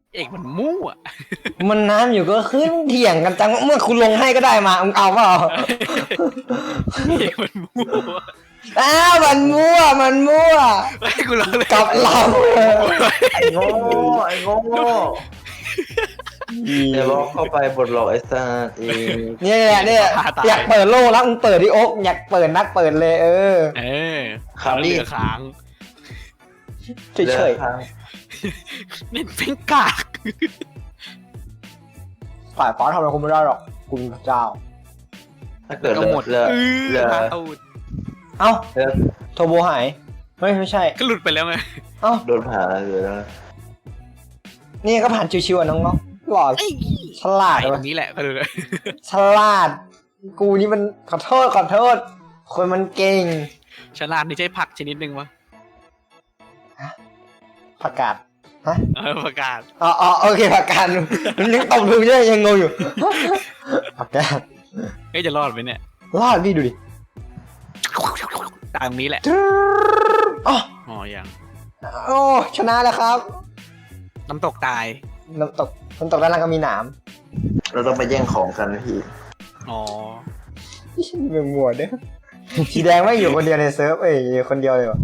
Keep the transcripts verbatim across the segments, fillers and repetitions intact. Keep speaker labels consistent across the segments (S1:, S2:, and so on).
S1: เอกมันมั่ว
S2: มันน้ำอยู่ก็ขึ้นเถียงกันจังเมื่อคุณลงให้ก็ได้มามึงเอาเปล่า
S1: เอกมันมั่ว
S2: อ้าวมันมั่วมันมั่ว
S1: ไอ้กูร้องเลย
S2: กับเรา
S3: ไอ้โง่ไอ้โง่เดี๋ยวบอกเข้าไปบทหลอกไอ้สัตว์เอง
S2: เนี่ยเนี่ยอยากเปิดโลกแล้วมึงเปิดดิโอ๊กอยากเปิดนักเปิดเลยเออ
S1: เออเขาเหลือค้าง
S2: เฉยเฉย
S1: เน้นเป็นกาก
S2: ๆฝ่ายฟ้าทำอะไรคุณไม่ได้หรอกคุณพระเจ้า
S3: ถ้าเกิด
S1: ก็หมด
S3: เหลือ
S1: เอ
S3: เหลื
S1: อ
S3: อ
S1: มาตูด
S2: เอ้า
S3: เหลือ
S2: โทโบหายเฮ้ยไม่ใช่
S1: ก็หลุดไปแล้วไง
S2: เอ้า
S3: โดนผ่าเหลือแล้ว
S2: นี่ก็ผ่านชิวๆอ่ะน้องๆหล่อฉลาด
S1: ไอ้
S2: เล
S1: ตร
S2: ย
S1: งนี้แหละก็ดูเลย
S2: ฉลาด กูนี่มันขอโทษขอโทษ คนมันเก่ง
S1: ฉลาดนี่ใช่ผักชนิดหนึ่งวะ
S2: ผักกาดฮะ
S1: เออประกาศ
S2: อ๋ออ๋อโอเคผักกาดมันยังตบดูใช่ไหมยังงงอยู่ผักกาด
S1: เฮ้ยจะรอดไหมเนี่ย
S2: รอดพี่ดูดิ
S1: ตายตรงนี้แหละ
S2: อ๋อ
S1: อ๋อยัง
S2: โอ้ชนะแล้วครับ
S1: น้ำตกตาย
S2: น้ำตกน้ำตกด้านล่างก็มีหนาม
S3: เราต้องไปแย่งของกันนะพี่
S1: อ๋อ
S2: เมืองมัวเด้อสีแดงไม่อยู่คนเดียวในเซิร์ฟเอ้ยอยู่คนเดียวเลยวะ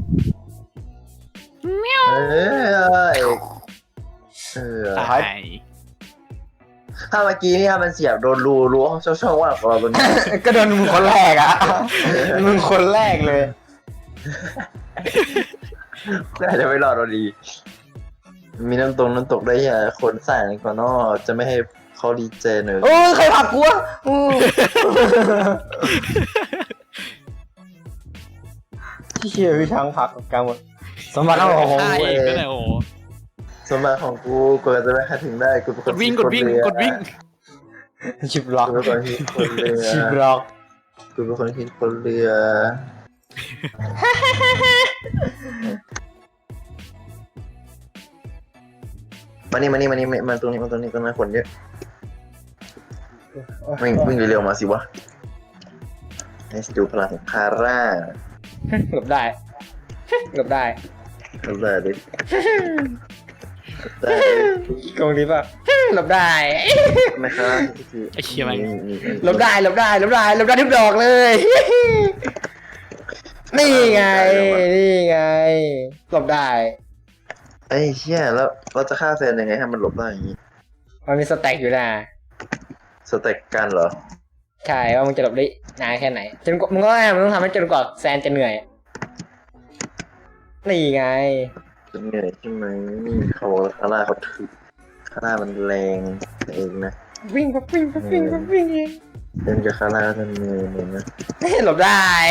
S3: เออเออ
S1: ตาย
S3: ถ้าเมื่อกี้นี่ถ้ามันเสียบโดนรูรูช่องช่องว่างของเราตัวนี้
S2: ก็โดนมึงคนแรกอ่ะมึงคนแรกเลย
S3: น่าจะไม่รอดเราดี มีน้ำตรงน้ำตกได้ยังคนใส่ก่อนนอกจะไม่ให้เขาดีเจเนอะ
S2: โอ้ยใครผลักกูวะอู้ที่เชี่ยพี่ช้างผลักกลางหมดสมบัติเอาของ
S1: ฆ่า
S2: กู
S1: เองก็เลยโอ้โห
S3: สมบัติของกูกว่าจะไปหาถึงได้กูเป็นค
S1: ก
S3: น
S1: ดวิ่งกดวิ่งกดวิ่ง
S2: ชิบล็อก
S3: กูเป็นคนคิดคนเรือ
S2: ชิบล็อก
S3: กูเป็นคนคิดคนเรือมานี่มานี่มานี่มาตรงนี้มาตรงนี้ตรงนั้นคนเยอะวิ่งวิ่งเร็วๆมาสิวะให้ดูพลังของคาร่า
S2: หลบได้หลบได้
S3: เอาเลยดิได้
S2: กองนี้ป่ะหลบได้
S3: ไม่ครับ
S1: ไอ้เชี่ยมัน
S2: หลบได้หลบได้หลบได้หลบได้ทุกดอกเลย นี่ไงนี่ไงหลบได้
S3: ไอ้เชี่ยแล้วเราจะฆ่าแฟนยังไงให้มันหลบได้อย่างนี้
S2: มันมีสแต็กอยู่นะ
S3: สเต็กกันเหรอ
S2: ใช่ว่ามึงจะหลบได้นานแค่ไหนจนกว่ามึงก็มึงต้องทำให้จนกว่าแซนจะเหนื่อยนี่ไง
S3: จะเหนื่อยใช่ไหมนี่เขาบอกว่าคาร่าเขาถือคาร่ามันแรงเองนะ
S2: วิ่งก็วิ่งก็วิ่งก็วิ่งเอง
S3: เล่นกับคาร่าจะเหนื่อยเหมือนนะ
S2: หลบได้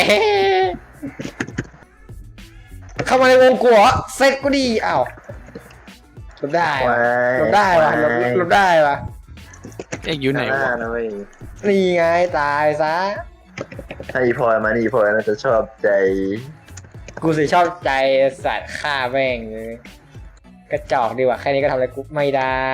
S2: เข้ามาในวงกูเหรอเซ็ตก็ดีอ้าวหลบได้ว่ะหลบได้ว่ะหลบหลบได้ว่ะ
S1: เอกอยู่ไหน
S3: คาร่าว
S1: ะ
S3: นะเว้ย
S2: นี่ไงตายซะ
S3: ถ้าอีพลอยมานี่อีพลอยน่าจะชอบใจ
S2: กูสิชอบใจสัตว์ฆ่าแม่งเลยกระจอกดีกว่าแค่นี้ก็ทำอะไรกูไม่ได้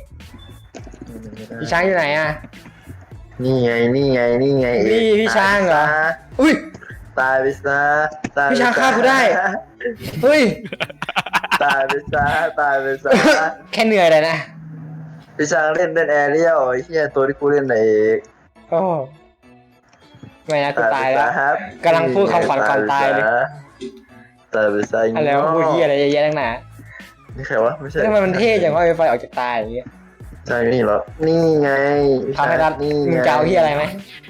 S2: พี่ช้างอยู่ไหนอ่ะ
S3: นี่ไงนี่ไงนี่ไง
S2: นี่พี่ช้างเหรอ อุ้ย
S3: ตายไปซะตายไปซะ
S2: พี่ช้างฆ่ากูได้ เฮ้ย
S3: ตายไปซะตายไปซะ
S2: แค่เหนื่อยเลยนะ
S3: พี่ช้างเล่นเป็นแอเรียลไอ้เหี้ยตัวที่กูเล่นไหนเอง
S2: โอ้ไม่นะกูตายแล้ว
S3: ครับ
S2: กำลังพูดคำขวัญก่อนตายเลย
S3: ตายไปซะ
S2: อะไรวะพูดเฮียอะไรเยอะแยะตั้งนาน
S3: นี่ใครวะไม่ใช่
S2: ทำไมมันเท่จังว่าไฟไฟออกจากตาอย่างเงี้ย
S3: ใช่นี่เหรอนี่ไง
S2: ทำให้รัด
S3: นี่
S2: มึง
S3: ไง
S2: จะเอาเฮียอะไรไหม